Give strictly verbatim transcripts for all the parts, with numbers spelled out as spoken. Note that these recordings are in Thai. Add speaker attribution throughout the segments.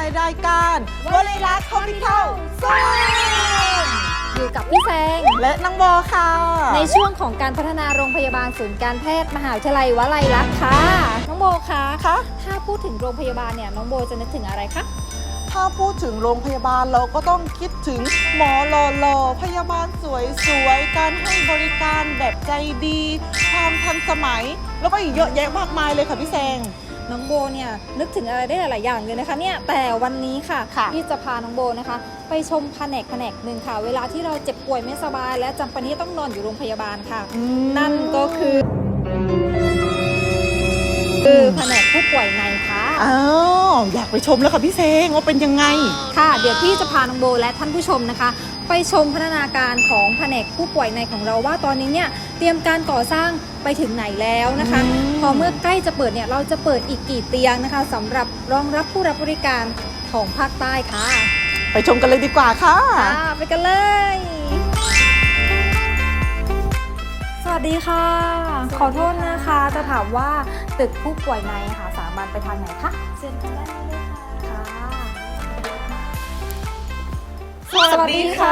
Speaker 1: รายการวลีรัก Hospital ซูม
Speaker 2: อยู่กับพี่แซง
Speaker 1: และน้องโบค่ะ
Speaker 2: ในช่วงของการพัฒนาโรงพยาบาลศูนย์การแพทย์มหาวิทยาลัยวลัยลักษณ์ค่ะน้องโบคะ
Speaker 1: คะ
Speaker 2: ถ้าพูดถึงโรงพยาบาลเนี่ยน้องโบจะนึกถึงอะไรคะ
Speaker 1: ถ้าพูดถึงโรงพยาบาลเราก็ต้องคิดถึงหมอหล่อๆพยาบาลสวยๆการให้บริการแบบใจดีความทันสมัยแล้วก็อีกเยอะแยะมากมายเลยค่ะพี่แซง
Speaker 2: น้องโบเนี่ยนึกถึงอะไรได้หลายๆอย่างเลยนะคะเนี่ยแต่วันนี้ค่ะพี่จะพาน้องโบนะคะไปชมแผนกแผนกหนึ่งค่ะเวลาที่เราเจ็บป่วยไม่สบายและจำเป็นที่ต้องนอนอยู่โรงพยาบาลค่ะนั่นก็คือคือแผนกผู้ป่วยในค่ะ
Speaker 1: อ้าวอยากไปชมแล้วค่ะพี่เซงว่าเป็นยังไง
Speaker 2: ค่ะเดี๋ยวพี่จะพาน้องโบและท่านผู้ชมนะคะไปชมพัฒนาการของแผนกผู้ป่วยในของเราว่าตอนนี้เนี่ยเตรียมการก่อสร้างไปถึงไหนแล้วนะคะพอเมื่อใกล้จะเปิดเนี่ยเราจะเปิดอีกกี่เตียงนะคะสำหรับรองรับผู้รับบริการของภาคใต้ค่ะ
Speaker 1: ไปชมกันเลยดีกว่าค่ะ
Speaker 2: ค่ะไปกันเลยสวัสดีค่ะขอโทษนะคะจะถามว่าตึกผู้ป่วยในค่ะสามารถไปทางไหนคะเชิญกันได้เลยค่ะ
Speaker 1: สวัสดีค่ะ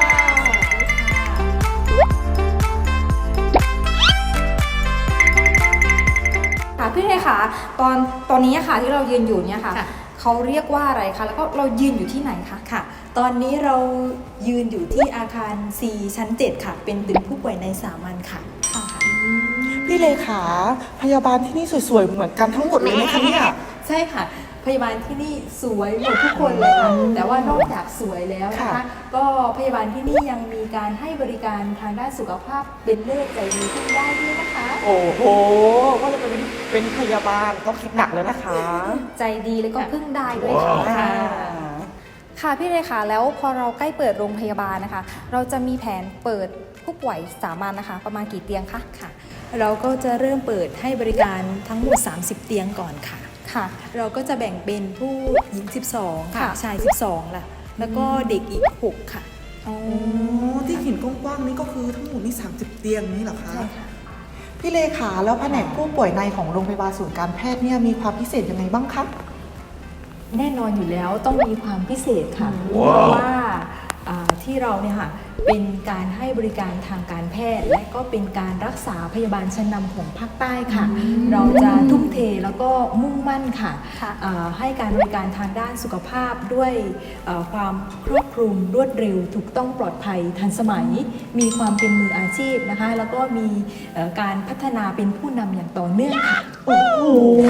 Speaker 2: ค่ะพี่เทค่ะตอนตอนนี้ค่ะที่เรายืนอยู่เนี่ยค่ะเขาเรียกว่าอะไรคะแล้วก็เรายืนอยู่ที่ไหนคะ
Speaker 3: ค่ะตอนนี้เรายืนอยู่ที่อาคาร ซี ชั้นเจ็ดค่ะเป็นตึกผู้ป่วยในสามัญค่ะ
Speaker 2: ค่ะ
Speaker 1: พี่เลขาพยาบาลที่นี่สวยๆเหมือนกันทั้งหมดเลยไหมคะเนี่ย
Speaker 3: ใช่ค่ะพยาบาลที่นี่สวยหมดทุกคนเลยค่ะแต่ว่านอกจากสวยแล้วนะคะก็พยาบาลที่นี่ยังมีการให้บริการทางด้านสุขภาพเป็นเลิศใจดีขึ้นได้ด้วยนะคะ
Speaker 1: โอ้โหก็จะเป็นเป็นพยาบาลต้องคิดหนักเลยนะคะ
Speaker 2: ใจดีแล้วก็พึ่งได้ด้วยค่ะค่ะพี่เลขาแล้วพอเราใกล้เปิดโรงพยาบาลนะคะเราจะมีแผนเปิดผู้ป่วยสามัญนะคะประมาณกี่เตียงคะ
Speaker 3: ค่ะเราก็จะเริ่มเปิดให้บริการทั้งหมดสามสิบเตียงก่อนค่ะ
Speaker 2: ค่ะ
Speaker 3: เราก็จะแบ่งเป็นผู้หญิงสิบสองค่ะชายสิบสองล่ะแล้วก็เด็กอีกหกค่ะ
Speaker 1: อ๋อที่เห็นกว้างๆนี่ก็คือทั้งหมดนี่สามสิบเตียงนี่เหรอคะ
Speaker 3: ใช่ค่ะ
Speaker 1: พี่เลขาแล้วแผนกผู้ป่วยในของโรงพยาบาลศูนย์การแพทย์เนี่ยมีความพิเศษยังไงบ้างคะ
Speaker 3: แน่นอนอยู่แล้วต้องมีความพิเศษค่ะเพราะว่าที่เราเนี่ยค่ะเป็นการให้บริการทางการแพทย์และก็เป็นการรักษาพยาบาลชั้นนำของภาคใต้ค่ะเราจะทุ่มเทแล้วก็มุ่งมั่นค่ะให้การบริการทางด้านสุขภาพด้วยความครอบคลุมรวดเร็วถูกต้องปลอดภัยทันสมัยมีความเป็นมืออาชีพนะคะแล้วก็มีการพัฒนาเป็นผู้นำอย่างต่อเนื่องค่ะ
Speaker 1: โอ้โห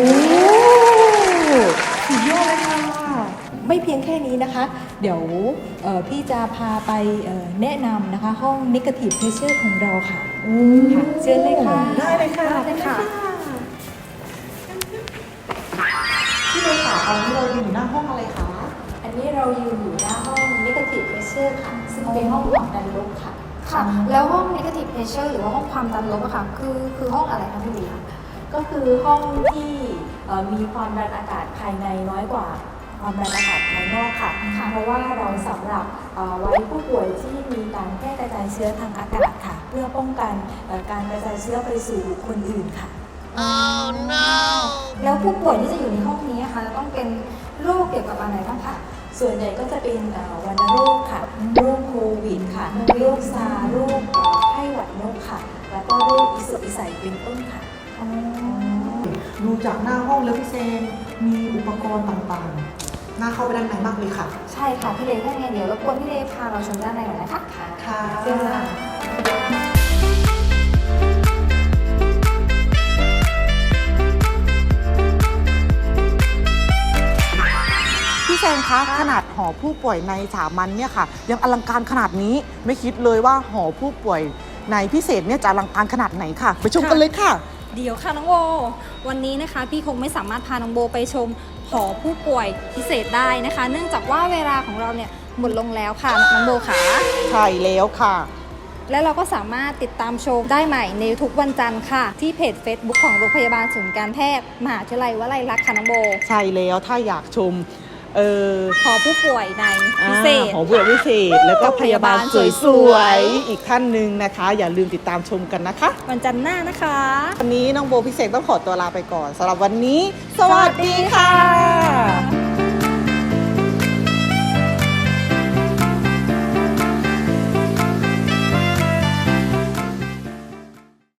Speaker 1: สุดยอดเลยค่ะ
Speaker 3: ไม่เพียงแค่นี้นะคะเดี๋ยวพี่จะพาไปแนะนำนะคะห้อง Negative Pressure ของเราค่ะค่ะเชิญเลยค่ะ
Speaker 1: ได้เลยค่ะ
Speaker 2: ได้ค่ะ
Speaker 1: พี่เลขาตอนนี้เราอยู่หน้าห้องอะไรคะ
Speaker 3: อันนี้เรายืนอยู่หน้าห้อง Negative Pressure ค่ะซึ่งเป็นห้องความดันลบค่ะ
Speaker 2: ค่ะแล้วห้อง Negative Pressure หรือว่าห้องความดันลบอะค่ะคือคือห้องอะไรคะพี่ลีคะ
Speaker 3: ก็คือห้องที่มีความดันอากาศภายในน้อยกว่าความดันอากาศภายนอกค่ะเพราะว่าเราสำหรับไว้ผู้ป่วยที่มีการแพร่กระจายเชื้อทางอากาศค่ะเพื่อป้องกันการกระจายเชื้อไปสู่คนอื่นค่ะ
Speaker 2: oh, no. แล้วผู้ป่วยที่จะอยู่ในห้องนี้ค่ะจะต้องเป็นโรคเกี่ยวกับอะไรบ้างคะ
Speaker 3: ส่วนใหญ่ก็จะเป็นวัณโรคค่ะโรคโควิดค่ะโรคซาร์โรคไข้หวัดนกค่ะแล้วก็โรคอิสุกอิสัยเป็นต้นค่ะ
Speaker 1: ดูจากหน้าห้องแล้วพี่เซนมีอุปกรณ์ต่างๆน่าเข้าไปด้านในมากเลยค่ะ
Speaker 2: ใช่ค่ะพี่เลถ้าไงเดี๋ยวรบกวนพี่เลพาเราชมด้านในหน่อยนะคะ
Speaker 1: ค่ะ
Speaker 2: เชิญค่ะ
Speaker 1: พี่แซงคะขนาดหอผู้ป่วยในสามัญเนี่ยค่ะยังอลังการขนาดนี้ไม่คิดเลยว่าหอผู้ป่วยในพิเศษเนี่ยจะอลังการขนาดไหนค่ะไปชมกันเลยค่ะ
Speaker 2: เดี๋ยวค่ะน้องโบวันนี้นะคะพี่คงไม่สามารถพาน้องโบไปชมหอผู้ป่วยพิเศษได้นะคะเนื่องจากว่าเวลาของเราเนี่ยหมดลงแล้วค่ะน้องโบค่ะ
Speaker 1: ใช่แล้วค่ะ
Speaker 2: และเราก็สามารถติดตามชมได้ใหม่ในทุกวันจันทร์ค่ะที่เพจ Facebook ของโรงพยาบาลศูนย์การแพทย์มหาวิทยาลัยวลัยลักษณ์ค่ะน้องโบ
Speaker 1: ใช่แล้วถ้าอยากชมเออ
Speaker 2: หอผู้ป่วยในพิเศษ
Speaker 1: หอผู้ป่วยพิเศษแล้วก็พยาบาลสวยๆอีกท่านหนึ่งนะคะอย่าลืมติดตามชมกันนะคะ
Speaker 2: วันจันทร์หน้านะคะ
Speaker 1: วันนี้น้องโบพิเศษต้องขอตัวลาไปก่อนสำหรับวันนี้สวัสดีค่ะ